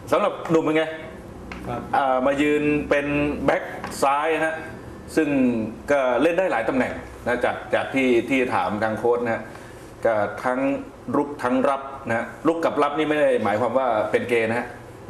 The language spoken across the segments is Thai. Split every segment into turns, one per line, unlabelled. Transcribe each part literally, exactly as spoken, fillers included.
สำหรับหนุ่มเป็นไงมายืนเป็นแบ็คซ้ายฮะซึ่งก็เล่นได้หลายตำแหน่งนะจากจากที่ที่ถามทางโค้ชนะก็ทั้งรุกทั้งรับนะรุกกับรับนี่ไม่ได้หมายความว่าเป็นเกย์นะฮะ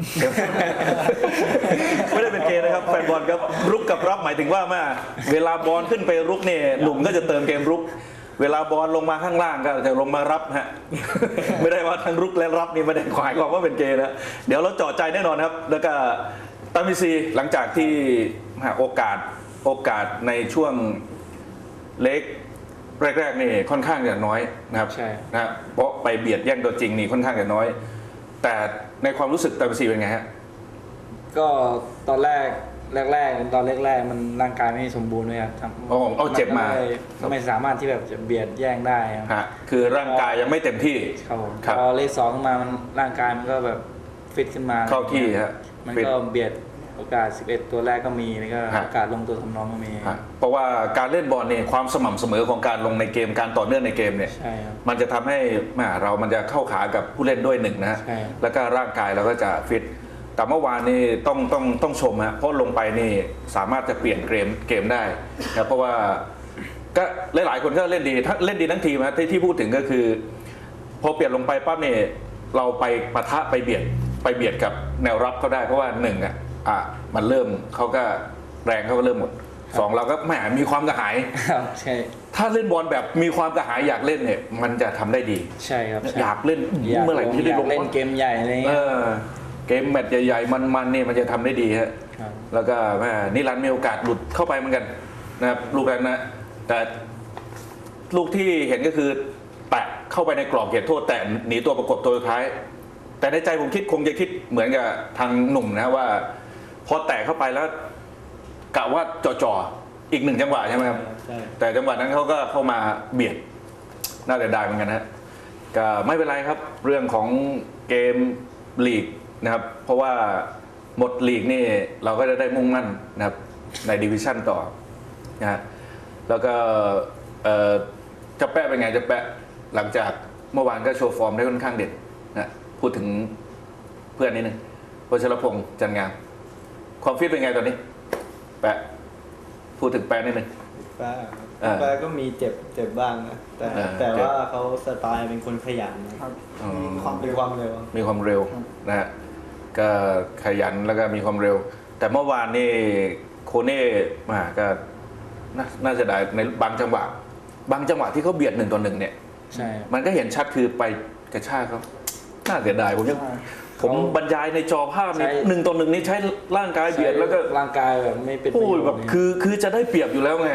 ไม่ได้เป็นเกย์นะครับแฟนบอลครับรุกกับรับหมายถึงว่าเมื่อเวลาบอลขึ้นไปรุกเนี่ยหนุ่มก็จะเติมเกมรุกเวลาบอลลงมาข้างล่างก็จะลงมารับฮะ ไม่ได้ว่าทั้งรุกและรับนี่ไม่ได้หมายความว่าเป็นเกย์นะเดี๋ยวเราเจาะใจแน่นอนครับแล้วก็ตามิซีหลังจากที่โอกาสโอกาสในช่วงเล็กแรกๆนี่ค่อนข้างจะน้อยนะครับใช่นะเพราะไปเบียดแย่งตัวจริงนี่ค่อนข้างจะน้อยแต่ในความรู้สึกตามิซีเป็นไงฮะ
ก็ตอนแรกแรกๆตอนแรกๆมันร่างกายไม่สมบูรณ์เลยครับ
อ๋อเอาเจ็บมา
ไม่สามารถที่แบบจะเบียดแย่งได้
ครับคือร่างกายยังไม่เต็มที่
ครับพอเลขสองขึ้นมามันร่างกายมันก็แบบฟิตขึ้นมา
เข้าที่ฮะ
มันก็เบียดโอกาสสิบเอ็ดตัวแรกก็มีแล้วก็โอกาสลงตัวทำน้องก็มี
เพราะว่าการเล่นบอลเนี่ยความสม่ำเสมอของการลงในเกมการต่อเนื่องในเกมเนี่ยมันจะทำให้เรามันจะเข้าขากับผู้เล่นด้วยหนึ่งนะฮะแล้วก็ร่างกายเราก็จะฟิตแต่เมื่อวานนี่ต้องต้องต้องชมฮะเพราะลงไปนี่สามารถจะเปลี่ยนเกมเกมได้นะเพราะว่าก็หลายๆคนก็เล่นดีทั้งเล่นดีทั้งทีมนะที่ที่พูดถึงก็คือพอเปลี่ยนลงไปปั๊บเนี่ยเราไปปะทะไปเบียดไปเบียดกับแนวรับเขาได้เพราะว่าหนึ่งอ่ะอ่ะมันเริ่มเขาก็แรงเขาก็เริ่มหมดสองเราก็แหมมีความกระหาย
ใช่
ถ้าเล่นบอลแบบมีความกระหายอยากเล่นเนี่ยมันจะทำได้ดี
ใช่ครับ
อยากเล่นเมื่อไหร่ที่ได้ลง
เล่นเกมใหญ่อะไรเงี้ย
เกมแมตช์ใหญ่ๆมันๆนี่มันจะทำได้ดีฮะแล้วก็แม่นิรันดร์มีโอกาสหลุดเข้าไปเหมือนกันนะครับลูกนั้นนะแต่ลูกที่เห็นก็คือแตะเข้าไปในกรอบเขตโทษแต่หนีตัวประกบตัวสุดท้ายแต่ในใจผมคิดคงจะคิดเหมือนกับทางหนุ่มนะว่าพอแตะเข้าไปแล้วกะว่าจ่อๆอีกหนึ่งจังหวะใช่ไหมครับแต่จังหวะนั้นเขาก็เข้ามาเบียดน่าจะได้เหมือนกันนะก็ไม่เป็นไรครับเรื่องของเกมลีกนะครับเพราะว่าหมดลีกนี่เราก็จะได้มุ่งมั่นนะครับในดิวิชั่นต่อนะฮะแล้วก็จะแปะเป็นไงจะแปะหลังจากเมื่อวานก็โชว์ฟอร์มได้ค่อนข้างเด็ดนะพูดถึงเพื่อนนิดนึงวชรพงษ์จันงามความฟิตเป็นไงตอนนี้แปะพูดถึงแปะนิดนึง
แปะแปะก็มีเจ็บเจ็บบ้างนะแต่แต่ว่าเขาสไตล์เป็นคนขยันนะครับมีความมีความเร็ว
มีความเร็วนะฮะก็ขยันแล้วก็มีความเร็วแต่เมื่อวานนี่โคเน่มาก็น่าจะได้ในบางจังหวะบางจังหวะที่เขาเบียดหนึ่งต่อหนึ่งเนี่ย
ใช่
มันก็เห็นชัดคือไปกระชากเขาน่าเสียดายผมยังผมบรรยายในจอภาพนี่หนึ่งต่อหนึ่งนี่ใช้ร่างกายเบียดแล้วก็
ร่างกายแบบไม่เป็น
โอ้ยแบบคือคือจะได้เปรียบอยู่แล้วไง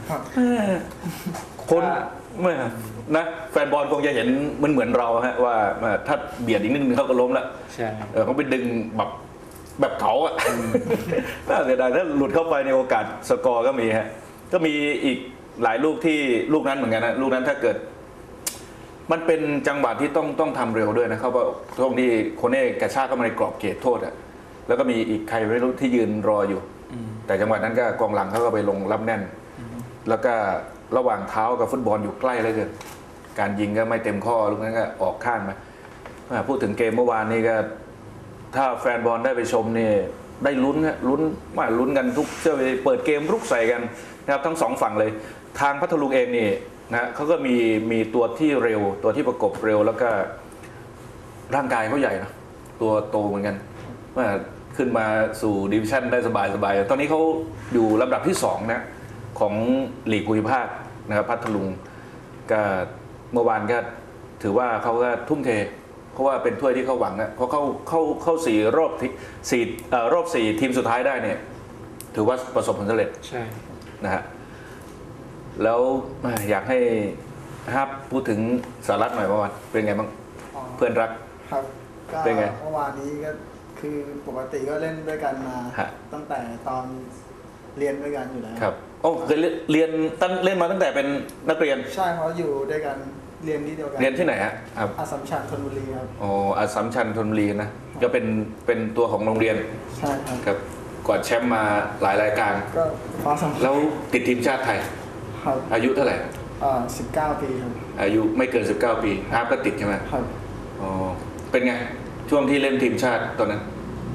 คนเมื่อนะแฟนบอลคงจะเห็นมันเหมือนเราฮะว่าถ้าเบียดอีกนิดนึงเขาก็ล้มละ
ใช่
เขาไปดึงแบบแบบเขาอะน่าเสียดายถ้าหลุดเข้าไปในโอกาสสกอร์ก็มีฮะก็มีอีกหลายลูกที่ลูกนั้นเหมือนกันนะลูกนั้นถ้าเกิดมันเป็นจังหวะที่ต้องต้องทำเร็วด้วยนะครับว่าตรงที่โคเน่กระชากเข้ามาในกรอบเขตโทษอะแล้วก็มีอีกใครไม่รู้ที่ยืนรออยู่แต่จังหวะนั้นก็กองหลังเขาก็ไปลงรับแน่นแล้วก็ระหว่างเท้ากับฟุตบอลอยู่ใกล้เลยเกินการยิงก็ไม่เต็มข้อลูกนั้นก็ออกข้างมาพูดถึงเกมเมื่อวานนี้ก็ถ้าแฟนบอลได้ไปชมนี่ได้ลุ้นฮะลุ้นว่าลุ้นกันทุกเชื่อไปเปิดเกมรุกใส่กันนะครับทั้งสองฝั่งเลยทางพัทลุงเองนี่นะเขาก็มีมีตัวที่เร็วตัวที่ประกบเร็วแล้วก็ร่างกายเขาใหญ่นะตัวโตเหมือนกันว่าขึ้นมาสู่ดิวิชั่นได้สบายสบายตอนนี้เขาอยู่ลำดับที่สองนะของลีกภูมิภาคนะครับพัทลุงก็เมื่อวานก็ถือว่าเขาก็ทุ่มเทเพราะว่าเป็นถ้วยที่เขาหวังนะเพราะเขาเข้าเข้าสี่รอบสี่รอบสี่ทีมสุดท้ายได้เนี่ยถือว่าประสบผลสำเร็จ
ใช่
นะฮะแล้วอยากให้ฮับพูดถึงสารัตหน่อยเมื่อวานเป็นไงบ้างเพื่อนรัก
ครับเป็นไงเมื่อวานนี้ก็คือปกติก็เล่นด้วยกันมาตั้งแต่ตอนเรียนด้วยกันอยู่แล้ว
ครับโอ้เคยเรียนตั้งเล่นมาตั้งแต่เป็นนักเรียน
ใช่เขาอยู่ด้วยกันเรียนที่เดียวกัน
เรียนที่ไหนฮะครับ
อัสสัมชัญธนบุรีครับ
อ๋ออัสสัมชัญธนบุรีนะก็เป็นเป็นตัวของโรงเรียน
ใช่ครับ
ครับกวาดแชมป์มาหลายรายการ
ก็ฟ้าสำ
แล้วติดทีมชาติไทยอายุเท่าไหร่
อ่าสิบเก้าปีครับ
อายุไม่เกินสิบเก้าปีฮาร์ปก็ติดใช่ไหม
ครับ
อ๋อเป็นไงช่วงที่เล่นทีมชาติตอนนั้น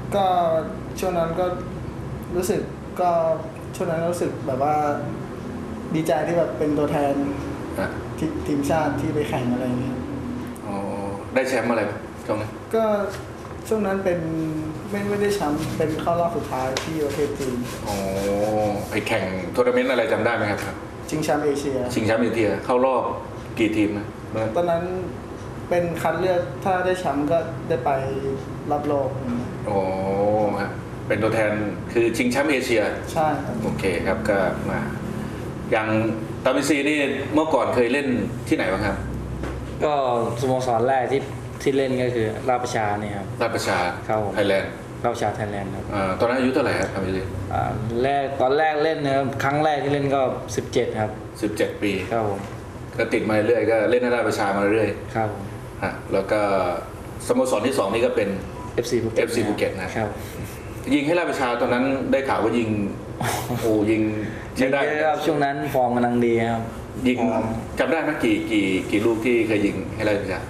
ก็ช่วงนั้นก็รู้สึกก็ช่วงนั้นรู้สึกแบบว่าดีใจที่แบบเป็นตัวแทน
อ่ะ
ทีทีมชาติที่ไปแข่งอะไรอย่างเงี้ย
อ๋อได้แชมป์อะไรไหมช่วงนั้น
ก็ช่วงนั้นเป็นไม่ไม่ได้แชมป์เป็นเข้ารอบสุดท้ายที่ประเทศจีน
อ๋อไปแข่งทัวร์นาเมนต์อะไรจำได้ไหมครับ
ชิงแชมป์เอเชีย
ชิงแชมป์เอเชียเข้ารอบกี่ทีมนะ
ตอนนั้นเป็นคัดเลือกถ้าได้แชมป์ก็ได้ไปรับโลกอย่างเงี้ย
อ๋อฮะเป็นตัวแทนคือชิงแชมป์เอเชีย
ใช่ครับ
โอเคครับก็มาอย่างตามิซีนี่เมื่อก่อนเคยเล่นที่ไหนบ้างครับ
ก็สโมสรแรกที่ที่เล่นก็คือราชประชาเนี่ยครับ
ราชประชา
ครับผม
ไทยแลนด์
ราชประชาไทยแลนด์ครับ
อ่าตอนนั้นอายุเท่าไหร่ครับตามิซี
อ่าแรกตอนแรกเล่นนะครับครั้งแรกที่เล่นก็สิบเจ็ดครับ
สิบเจ็ดปี
ครับผม
ก็ติดมาเรื่อยก็เล่นให้ราชประชามาเรื่อย
ครับผม
ฮะแล้วก็สโมสรที่สองนี่ก็เป็น
เอฟซีภูเก็ต
เอฟซีภูเก็ตนะครับ ยิงให้ราชประชาตอนนั้นได้ข่าวว่ายิงโอ้ยิงใช้ได้
เยอะครับช่วงนั้นฟอร์มกำลังดีครับ
ยิง
ฟอร์ม
จำได้ไหมกี่กี่กี่ลูกที่เคยยิงให้ราชประชา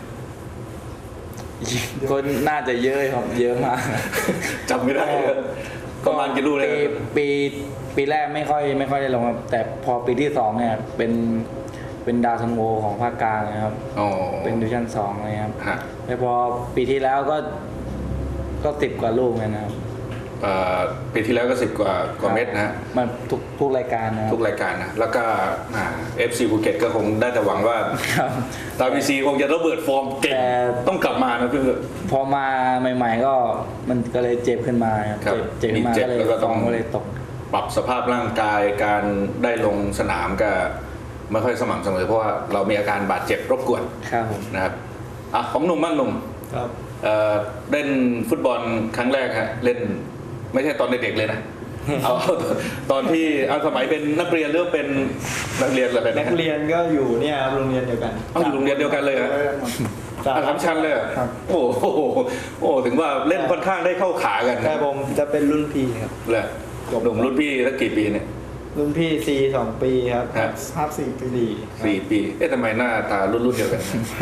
ก็น่าจะเยอะครับเยอะมาก
จำไม่ได้เลยประมาณกี่ลูกเลย
ปีปีปีแรกไม่ค่อยไม่ค่อยได้ลงครับแต่พอปีที่สองเนี่ยเป็นเป็นดาวซันโวของภาคกลางนะครับ
อ๋อ
เป็นดิวิชั่นสองเลยครับ
ฮะ
แต่พอปีที่แล้วก็ก็สิบกว่าลูกเลยนะครับ
เอ่อปีที่แล้วก็สิบกว่ากว่าเม็ดนะฮะ
มันทุกทุกรายการนะครับ
ทุกรายการนะแล้วก็เอฟซีภูเก็ตก็คงได้แต่หวังว่า
ครับ
ตาบีซีคงจะระเบิดฟอร์มเก่ง
แต่
ต้องกลับมานะพี่
พอมาใหม่ๆก็มันก็เลยเจ็บขึ้นมาครับ
ครับ
เจ็บเจ็บขึ้นมา
มีเจ็บ
ก็เลย
แล้วก็
ฟ
ต้
อ
อง
ร์มก็เลยตก
ปรับสภาพร่างกายการได้ลงสนามก็ไม่ค่อยสม่ำเสมอเพราะว่าเรามีอาการบาดเจ็บรบกวน
ครับผม
นะครับอ่ะของหนุ่มบ้างหนุ่ม
ครับ
เอ่อเล่นฟุตบอลครั้งแรกฮะเล่นไม่ใช่ตอนเด็กๆเลยนะ เอาตอนที่เอาสมัยเป็นนักเรียนหรือว่าเป็นนักเรียนอะไร
นั
นะ
กเรียนก็อยู่เนี่ยครับโรงเรียนเดียวกัน
เอาอยู่โรงเรียนเดียวกันเลยเหรอ
สาม
อ่ะสามชั้นเลยเหรอ
ครับ
โอ้โหโอ้ถึงว่าเล่นค่อนข้างได้เข้าขากัน
แต่ผมจะเป็นรุ่นพี่ครับ
เลยหนุ่มรุ่นพี่ตั้งกี่ปีเนี่ย
รุ่นพี่ซีสองปีครับ
ฮะ
ภาพสี่ปี
สี่
สี่ปีเอ๊ะทำไมหน้าตารุ่นรุ่นเดียวกัน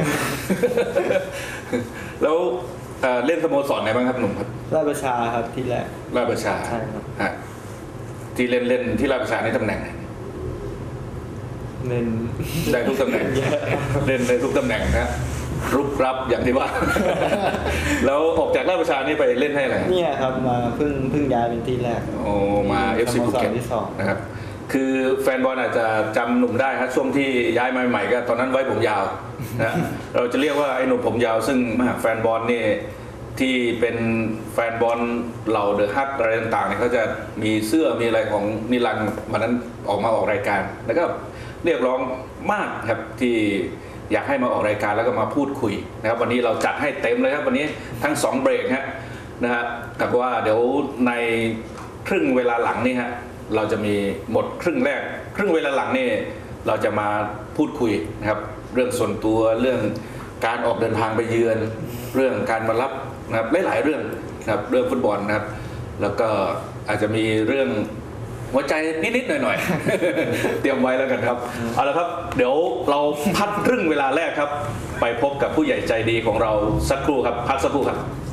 แล้วเอ่อเล่นสโมสรไหนบ้างครับหนุ่มครับ
ราชประชาครับที่แรก
ราชประชา
ใช่ครับ
ฮะที่เล่นเล่นที่ราชประชาในตำแหน่งไหน
เน้น
ได้ทุกตำแหน่ง
เยอะ
เล่นได้ทุกตำแหน่งนะรุกรับอย่างที่ว่า แล้วออกจากราชประชานี่ไปเล่นให้อะไร
เนี่ยครับมาเพิ่งเพิ่งย้ายเป็นที่แรก
โอ้มา เอฟ ซี
สโม
ภู
สร
เก็ต
ที่สอง
นะครับคือแฟนบอลอาจจะจำหนุ่มได้ครับช่วงที่ย้ายมาใหม่ก็ตอนนั้นไว้ผมยาวนะ เราจะเรียกว่าไอ้หนุ่มผมยาวซึ่งแฟนบอลนี่ที่เป็นแฟนบอลเหล่าเดอะฮักอะไรต่างๆเนี่ยเขาจะมีเสื้อมีอะไรของนิรันดร์วันนั้นออกมาออกรายการ แล้วก็เรียกร้องมากครับที่อยากให้มาออกรายการแล้วก็มาพูดคุยนะครับวันนี้เราจัดให้เต็มเลยครับวันนี้ทั้งสองเบรกฮะนะฮะกับว่าเดี๋ยวในครึ่งเวลาหลังนี่ฮะเราจะมีหมดครึ่งแรก ครึ่งเวลาหลังนี่เราจะมาพูดคุยนะครับเรื่องส่วนตัวเรื่องการออกเดินทางไปเยือน เรื่องการมารับนะครับหลายๆเรื่องนะครับเรื่องฟุตบอลนะครับ แล้วก็อาจจะมีเรื่องหัวใจนิดๆหน่อยๆ เตรียมไว้แล้วกันครับเอาละครับเดี๋ยวเราพักครึ่งเวลาแรกครับ ไปพบกับผู้ใหญ่ใจดีของเราสักครู่ครับพักสักครู่ครับ